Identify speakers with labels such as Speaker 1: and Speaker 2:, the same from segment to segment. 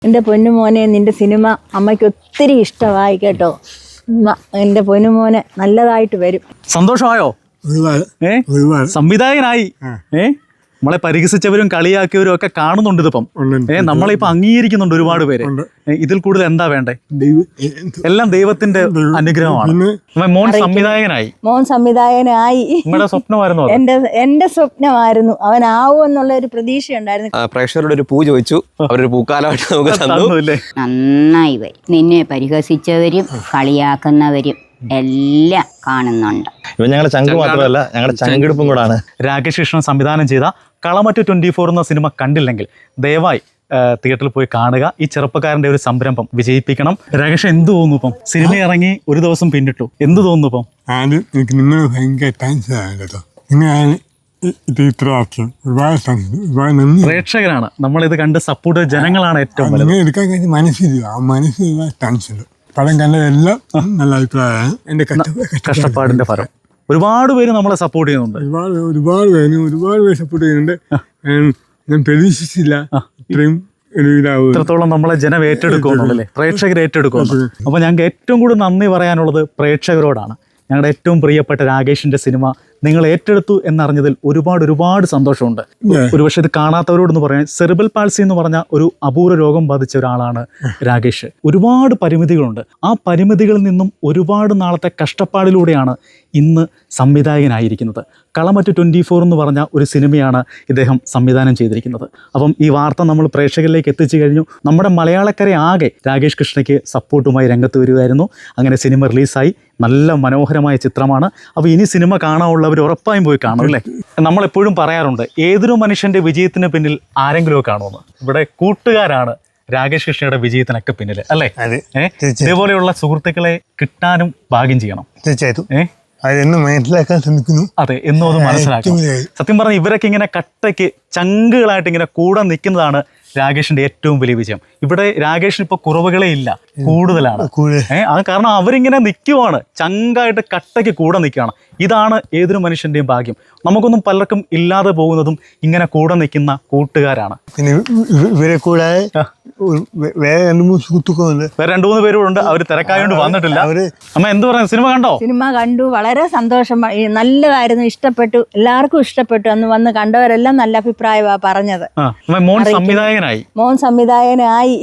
Speaker 1: എൻ്റെ പൊന്നുമോനെ നിൻ്റെ സിനിമ അമ്മയ്ക്ക് ഒത്തിരി ഇഷ്ടമായി കേട്ടോ. എൻ്റെ പൊന്നുമോനെ നല്ലതായിട്ട് വരും.
Speaker 2: സന്തോഷമായോ? സംവിധായകനായി നമ്മളെ പരിഹസിച്ചവരും കളിയാക്കിയവരും ഒക്കെ കാണുന്നുണ്ട് ഇതിപ്പം. നമ്മളിപ്പോ അംഗീകരിക്കുന്നുണ്ട് ഒരുപാട് പേര്. ഇതിൽ കൂടുതൽ എന്താ വേണ്ടേ? എല്ലാം ദൈവത്തിന്റെ അനുഗ്രഹമാണ്. മോൻ സംവിധായകനായി. നമ്മുടെ സ്വപ്നമായിരുന്നു.
Speaker 1: എന്റെ സ്വപ്നമായിരുന്നു. അവനാവും എന്നുള്ള ഒരു പ്രതീക്ഷ ഉണ്ടായിരുന്നു.
Speaker 3: പ്രേക്ഷകരുടെ ഒരു പൂ ചോദിച്ചു, അവരൊരു പൂക്കാലമായിട്ട് നമുക്ക് തന്നു.
Speaker 4: നന്നായി വരും. നിന്നെ പരിഹസിച്ചവരും കളിയാക്കുന്നവരും എല്ലാം കാണുന്നുണ്ട്.
Speaker 5: ഇവ ഞങ്ങളുടെ ചങ്ക് മാത്രമല്ല, ഞങ്ങളുടെ ചങ്കെടുപ്പും കൂടാണ്.
Speaker 2: രാകേഷ് കൃഷ്ണൻ സംവിധാനം ചെയ്ത കളമറ്റ് 24 എന്ന സിനിമ കണ്ടില്ലെങ്കിൽ ദയവായി തിയേറ്ററിൽ പോയി കാണുക. ഈ ചെറുപ്പക്കാരന്റെ ഒരു സംരംഭം വിജയിപ്പിക്കണം. രാകേഷ്, എന്ത് തോന്നുന്നു ഇപ്പം? സിനിമ ഇറങ്ങി ഒരു ദിവസം പിന്നിട്ടു, എന്ത് തോന്നുന്നു ഇപ്പം?
Speaker 6: ആദ്യം എനിക്ക് നിങ്ങൾ ഭയങ്കര താങ്ക്സ് ആണ് കേട്ടോ. ഇത് ഇത്രയാക്കി ഒരുപാട് നന്ദി.
Speaker 2: പ്രേക്ഷകരാണ് നമ്മളിത് കണ്ട് സപ്പോർട്ട് ജനങ്ങളാണ് ഏറ്റവും
Speaker 6: നിങ്ങൾ എടുക്കാൻ കഴിഞ്ഞ മനസ്സിൽ ആ മനസ്സിൽ താങ്ക്സ് ഉണ്ട്. പടം കണ്ടതെല്ലാം നല്ല അഭിപ്രായമാണ്. എൻ്റെ
Speaker 2: കഷ്ടപ്പാടിന്റെ ഫലം. ഒരുപാട് പേര് നമ്മളെ സപ്പോർട്ട് ചെയ്യുന്നുണ്ട്.
Speaker 6: ഒരുപാട് പേര് സപ്പോർട്ട് ചെയ്യുന്നുണ്ട്. ഞാൻ പ്രതീക്ഷിച്ചില്ല ഇത്രയും
Speaker 2: ഇത്രത്തോളം നമ്മളെ ജനം ഏറ്റെടുക്കുന്നുണ്ടല്ലേ, പ്രേക്ഷകർ ഏറ്റെടുക്കുന്നു. അപ്പോൾ ഞങ്ങൾക്ക് ഏറ്റവും കൂടുതൽ നന്ദി പറയാനുള്ളത് പ്രേക്ഷകരോടാണ്. ഞങ്ങളുടെ ഏറ്റവും പ്രിയപ്പെട്ട രാകേഷിന്റെ സിനിമ നിങ്ങൾ ഏറ്റെടുത്തു എന്നറിഞ്ഞതിൽ ഒരുപാട് സന്തോഷമുണ്ട്. ഒരുപക്ഷെ ഇത് കാണാത്തവരോടൊന്ന് പറയാൻ, സെറിബ്രൽ പാൾസി എന്ന് പറഞ്ഞ ഒരു അപൂർവ രോഗം ബാധിച്ച ഒരാളാണ് രാകേഷ്. ഒരുപാട് പരിമിതികളുണ്ട്. ആ പരിമിതികളിൽ നിന്നും ഒരുപാട് നാളത്തെ കഷ്ടപ്പാടിലൂടെയാണ് ഇന്ന് സംവിധായകനായിരിക്കുന്നത്. കളമറ്റ് 24 എന്ന് പറഞ്ഞ ഒരു സിനിമയാണ് ഇദ്ദേഹം സംവിധാനം ചെയ്തിരിക്കുന്നത്. അപ്പം ഈ വാർത്ത നമ്മൾ പ്രേക്ഷകരിലേക്ക് എത്തിച്ചു കഴിഞ്ഞു. നമ്മുടെ മലയാളക്കരെ ആകെ രാകേഷ് കൃഷ്ണയ്ക്ക് സപ്പോർട്ടുമായി രംഗത്ത് വരികയായിരുന്നു. അങ്ങനെ സിനിമ റിലീസായി. നല്ല മനോഹരമായ ചിത്രമാണ്. അപ്പോൾ ഇനി സിനിമ കാണാനുള്ളവർ ഉറപ്പായും പോയി കാണും അല്ലേ. നമ്മളെപ്പോഴും പറയാറുണ്ട്, ഏതൊരു മനുഷ്യൻ്റെ വിജയത്തിന് പിന്നിൽ ആരെങ്കിലും കാണുമെന്ന്. ഇവിടെ കൂട്ടുകാരാണ് രാകേഷ് കൃഷ്ണയുടെ വിജയത്തിനൊക്കെ പിന്നിൽ അല്ലേ. ഇതേപോലെയുള്ള സുഹൃത്തുക്കളെ കിട്ടാനും ഭാഗ്യം ചെയ്യണം.
Speaker 6: തീർച്ചയായിട്ടും മനസ്സിലാക്കാൻ ശ്രമിക്കുന്നു.
Speaker 2: അതെ, എന്നും അത് മനസ്സിലാക്കും. സത്യം പറഞ്ഞാൽ ഇവരൊക്കെ ഇങ്ങനെ കട്ടയ്ക്ക് ചങ്കുകളായിട്ട് ഇങ്ങനെ കൂടെ നിൽക്കുന്നതാണ് രാകേഷിന്റെ ഏറ്റവും വലിയ വിജയം. ഇവിടെ രാകേഷിന് ഇപ്പൊ കുറവുകളേ ഇല്ല, കൂടുതലാണ്. അത് കാരണം അവരിങ്ങനെ നിൽക്കുവാണ്, ചങ്കായിട്ട് കട്ടയ്ക്ക് കൂടെ നിൽക്കുകയാണ്. ഇതാണ് ഏതൊരു മനുഷ്യന്റെയും ഭാഗ്യം. നമുക്കൊന്നും പലർക്കും ഇല്ലാതെ പോകുന്നതും ഇങ്ങനെ കൂടെ നിൽക്കുന്ന കൂട്ടുകാരാണ്.
Speaker 6: പിന്നെ ഇവരെ കൂടാതെ വേറെ 2-3 സുഹൃത്തുക്കളുണ്ട്.
Speaker 2: വേറെ 2-3 പേരുണ്ട്. അവർ തിരക്കായോണ്ട് വന്നിട്ടില്ല. അമ്മ എന്ത് പറയാം? സിനിമ കണ്ടോ?
Speaker 1: സിനിമ കണ്ടു, വളരെ സന്തോഷം. നല്ലതായിരുന്നു, ഇഷ്ടപ്പെട്ടു, എല്ലാവർക്കും ഇഷ്ടപ്പെട്ടു. അന്ന് വന്ന് കണ്ടവരെല്ലാം നല്ല അഭിപ്രായമാണ് പറഞ്ഞത്.
Speaker 2: മോൻ സംവിധായകനായി.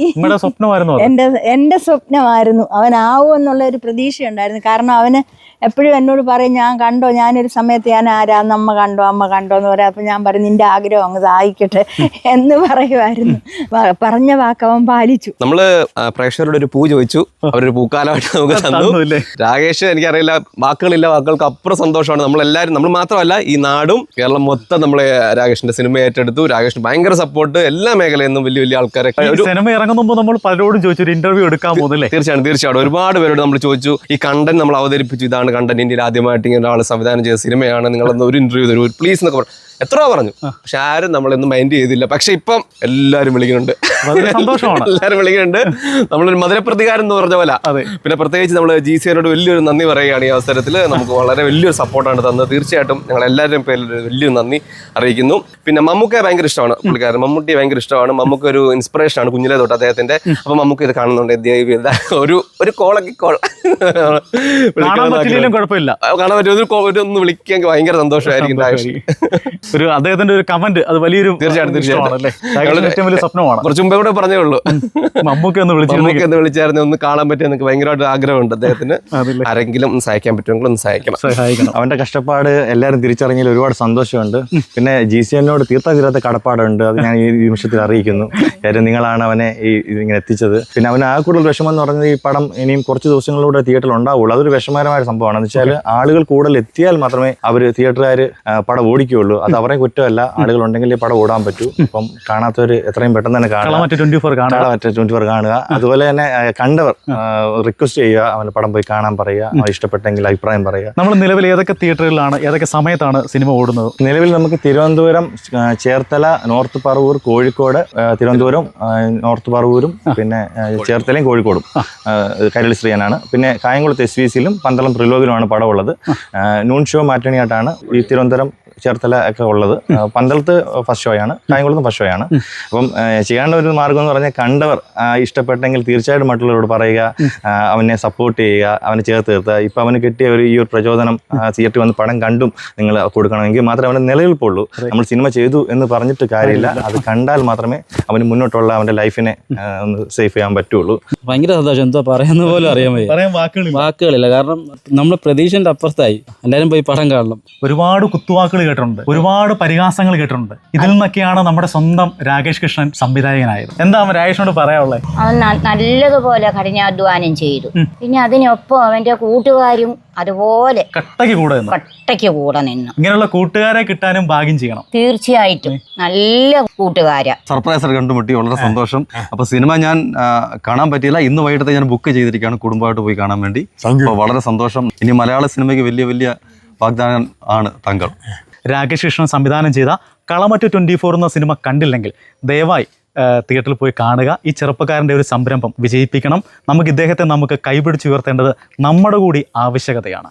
Speaker 1: എന്റെ സ്വപ്നമായിരുന്നു. അവനാവും എന്നുള്ള ഒരു പ്രതീക്ഷ ഉണ്ടായിരുന്നു. കാരണം അവന് എപ്പോഴും എന്നോട് പറയും, ഞാൻ കണ്ടോ, ഞാനൊരു സമയത്ത് ഞാൻ ആരാന്ന് അമ്മ കണ്ടോ എന്ന് പറയാം. അപ്പം ഞാൻ പറയും, നിന്റെ ആഗ്രഹം അങ്ങ് സാധിക്കട്ടെ എന്ന് പറയുമായിരുന്നു. പറഞ്ഞ വാക്കവൻ പാലിച്ചു.
Speaker 3: നമ്മള് പ്രേക്ഷകരുടെ ഒരു പൂ ചോദിച്ചു, അവരൊരു പൂക്കാലമായിട്ട് നമുക്ക് തന്നു. രാകേഷ്, എനിക്കറിയില്ല, വാക്കുകൾക്ക് അപ്പുറം സന്തോഷമാണ്. നമ്മളെല്ലാവരും, നമ്മൾ മാത്രമല്ല ഈ നാടും കേരളം മൊത്തം നമ്മളെ രാകേഷിന്റെ സിനിമ ഏറ്റെടുത്തു. രാകേഷിന് ഭയങ്കര സപ്പോർട്ട് എല്ലാ മേഖലയിൽ നിന്നും വലിയ ആൾക്കാരെ.
Speaker 2: സിനിമ ഇറങ്ങുമ്പോൾ നമ്മൾ പലരോടും ചോദിച്ചു ഒരു ഇന്റർവ്യൂ എടുക്കാൻ പോകുന്നില്ലേ?
Speaker 3: തീർച്ചയായിട്ടും ഒരുപാട് പേരോട് നമ്മൾ ചോദിച്ചു. ഈ കണ്ടന്റ് നമ്മൾ അവതരിപ്പിച്ചു, ഇതാണ് കണ്ടന്റ്, ഇന്ത്യയിൽ ആദ്യമായിട്ട് ഇങ്ങനെ ഒരാൾ സംവിധാനം ചെയ്ത സിനിമയാണ്, നിങ്ങളൊന്ന് ഒരു ഇന്റർവ്യൂ തരൂ പ്ലീസ് എന്നൊക്കെ പറഞ്ഞു. എത്രയോ പറഞ്ഞു, പക്ഷെ ആരും നമ്മളൊന്നും മൈൻഡ് ചെയ്തില്ല. പക്ഷെ ഇപ്പം എല്ലാവരും വിളിക്കുന്നുണ്ട്, എല്ലാവരും വിളിക്കുന്നുണ്ട്. നമ്മളൊരു മധുരപ്രതികാരം എന്ന് പറഞ്ഞ പോലെ. പിന്നെ പ്രത്യേകിച്ച് നമ്മൾ GCനോട് വലിയൊരു നന്ദി പറയുകയാണ് ഈ അവസരത്തിൽ. നമുക്ക് വളരെ വലിയൊരു സപ്പോർട്ടാണ് തന്നത്. തീർച്ചയായിട്ടും ഞങ്ങൾ എല്ലാവരുടെയും പേരിൽ വലിയൊരു നന്ദി അറിയിക്കുന്നു. പിന്നെ മമ്മൂക്കയെ ഭയങ്കര ഇഷ്ടമാണ് പുള്ളിക്കാരൻ. മമ്മൂട്ടിയെ ഭയങ്കര ഇഷ്ടമാണ്. മമ്മൂക്ക ഒരു ഇൻസ്പിറേഷൻ ആണ് കുഞ്ഞിലേ തൊട്ട് അദ്ദേഹത്തിന്റെ. അപ്പൊ മമ്മൂക്ക ഇത് കാണുന്നുണ്ട്, ഒരു കോളൊക്കെ കാണാൻ പറ്റും, ഒന്ന് വിളിക്കാൻ ഭയങ്കര സന്തോഷമായിരിക്കും.
Speaker 2: ഒരു അദ്ദേഹത്തിന്റെ ഒരു കമന്റ്, അത് വലിയൊരു സ്വപ്നമാണ്.
Speaker 3: കുറച്ച് മുമ്പേ കൂടെ പറഞ്ഞേ ഉള്ളൂ, മമ്മൂക്ക ഒന്ന് വിളിച്ചായിരുന്നു, ഒന്ന് കാണാൻ പറ്റിയ എനിക്ക് ഭയങ്കരമായിട്ട് ആഗ്രഹമുണ്ട് അദ്ദേഹത്തിന്. ആരെങ്കിലും ഒന്ന് സഹായിക്കാൻ പറ്റുമെങ്കിൽ ഒന്ന് സഹായിക്കണം.
Speaker 5: അവന്റെ കഷ്ടപ്പാട് എല്ലാവരും തിരിച്ചറിഞ്ഞതിൽ ഒരുപാട് സന്തോഷമുണ്ട്. പിന്നെ GCനോട് തീർത്ത കടപ്പാടുണ്ട്. അത് ഞാൻ ഈ നിമിഷത്തിൽ അറിയിക്കുന്നു. കാര്യം നിങ്ങളാണ് അവനെ ഇങ്ങനെ എത്തിച്ചത്. പിന്നെ അവന് ആ കൂടുതൽ വിഷമം എന്ന് പറഞ്ഞത്, ഈ പടം ഇനിയും കുറച്ച് ദിവസങ്ങളിലൂടെ തിയേറ്ററിൽ ഉണ്ടാവുള്ളൂ. അതൊരു വിഷമകരമായ സംഭവമാണ്. എന്ന് വെച്ചാൽ ആളുകൾ കൂടുതൽ എത്തിയാൽ മാത്രമേ അവർ തിയേറ്ററുകാർ പടം ഓടിക്കുകയുള്ളൂ. അത് അവരെ കുറ്റമല്ല, ആളുകൾ ഉണ്ടെങ്കിൽ പടം ഓടാൻ പറ്റൂ. അപ്പം കാണാത്തവർ എത്രയും പെട്ടെന്ന് തന്നെ
Speaker 2: കളമറ്റ് 24
Speaker 5: കാണുക. അതുപോലെ തന്നെ കണ്ടവർ റിക്വസ്റ്റ് ചെയ്യുക, അവന്റെ പടം പോയി കാണാൻ പറയുക, ഇഷ്ടപ്പെട്ടെങ്കിൽ അഭിപ്രായം പറയുക.
Speaker 2: നമ്മൾ നിലവിൽ ഏതൊക്കെ തിയേറ്ററുകളിലാണ്, ഏതൊക്കെ സമയത്താണ് സിനിമ ഓടുന്നത്?
Speaker 5: നിലവിൽ നമുക്ക് തിരുവനന്തപുരം, ചേർത്തല, നോർത്ത് പറവൂർ, കോഴിക്കോട്, തിരുവനന്തപുരം, നോർത്ത് പറവൂരും, പിന്നെ ചേർത്തലയും കോഴിക്കോടും കൈരളി ശ്രീയനാണ്. പിന്നെ കായംകുളത്ത് SVCയിലും പന്തളം ത്രിലോകിലുമാണ് പടമുള്ളത്. നൂൺ ഷോ മാറ്റണിയായിട്ടാണ് ഈ തിരുവനന്തപുരം, ചേർത്തല ഒക്കെ ഉള്ളത്. പന്തളത്ത് ഫസ്റ്റ് ഷോയാണ്, കായംകുളത്തും ഫസ്റ്റ് ഷോയാണ്. അപ്പം ചെയ്യേണ്ട ഒരു മാർഗം എന്ന് പറഞ്ഞാൽ കണ്ടവർ ഇഷ്ടപ്പെട്ടെങ്കിൽ തീർച്ചയായിട്ടും മറ്റുള്ളവരോട് പറയുക, അവനെ സപ്പോർട്ട് ചെയ്യുക, അവനെ ചേർത്ത് നിർത്തുക. ഇപ്പം അവന് കിട്ടിയ ഈ ഒരു പ്രചോദനം തിയേറ്ററിൽ വന്ന് പടം കണ്ടും നിങ്ങൾ കൊടുക്കണമെങ്കിൽ മാത്രമേ അവൻ്റെ നിലനിൽപ്പുള്ളൂ. നമ്മൾ സിനിമ ചെയ്തു എന്ന് പറഞ്ഞിട്ട് കാര്യമില്ല, അത് കണ്ടാൽ മാത്രമേ അവന് മുന്നോട്ടുള്ള അവൻ്റെ ലൈഫിനെ ഒന്ന് സേഫ് ചെയ്യാൻ പറ്റുള്ളൂ.
Speaker 7: ഭയങ്കര സന്തോഷം, എന്തോ പറയുന്ന പോലും അറിയാൻ വയ്യ,
Speaker 2: പറയാൻ
Speaker 7: വാക്കുകളില്ല. കാരണം നമ്മൾ പ്രതീക്ഷന്റെ അപ്പുറത്തായി. എല്ലാവരും പോയി പടം കാണണം.
Speaker 2: ഒരുപാട് കുത്തുവാക്കുകൾ കേട്ടിട്ടുണ്ട്, ഒരുപാട് പരിഹാസങ്ങൾ കേട്ടിട്ടുണ്ട്. ഇതിൽ നിന്നൊക്കെയാണ് നമ്മുടെ സ്വന്തം രാകേഷ് കൃഷ്ണൻ സംവിധായകനായത്. എന്താ രാകേഷിനോട് പറയാനുള്ളത്?
Speaker 4: അവൻ നല്ലതുപോലെ കഠിനാധ്വാനം ചെയ്തു. പിന്നെ അതിനൊപ്പം അവന്റെ കൂട്ടുകാരും അതുപോലെ കട്ടയ്ക്ക് കൂടെ നിന്നു.
Speaker 2: ഇങ്ങനെയുള്ള കൂട്ടുകാരെ കിട്ടാനും ഭാഗ്യം ചെയ്യണം.
Speaker 4: തീർച്ചയായിട്ടും നല്ല കൂട്ടുകാരാ.
Speaker 8: സർപ്രൈസ് കണ്ടുമുട്ടി, വളരെ സന്തോഷം. അപ്പൊ സിനിമ ഞാൻ കാണാൻ പറ്റിയില്ല, ഇന്ന് വൈകിട്ടത്തെ ഞാൻ ബുക്ക് ചെയ്തിരിക്കുകയാണ് കുടുംബമായിട്ട് പോയി കാണാൻ വേണ്ടി. അപ്പോൾ വളരെ സന്തോഷം. ഇനി മലയാള സിനിമയ്ക്ക് വലിയ വലിയ വാഗ്ദാനം ആണ് താങ്കൾ.
Speaker 2: രാകേഷ് കൃഷ്ണൻ സംവിധാനം ചെയ്ത കളമറ്റ് 24 എന്ന സിനിമ കണ്ടില്ലെങ്കിൽ ദയവായി തിയേറ്ററിൽ പോയി കാണുക. ഈ ചെറുപ്പക്കാരൻ്റെ ഒരു സംരംഭം വിജയിപ്പിക്കണം. നമുക്ക് ഇദ്ദേഹത്തെ കൈപിടിച്ചുയർത്തേണ്ടത് നമ്മുടെ കൂടി ആവശ്യകതയാണ്.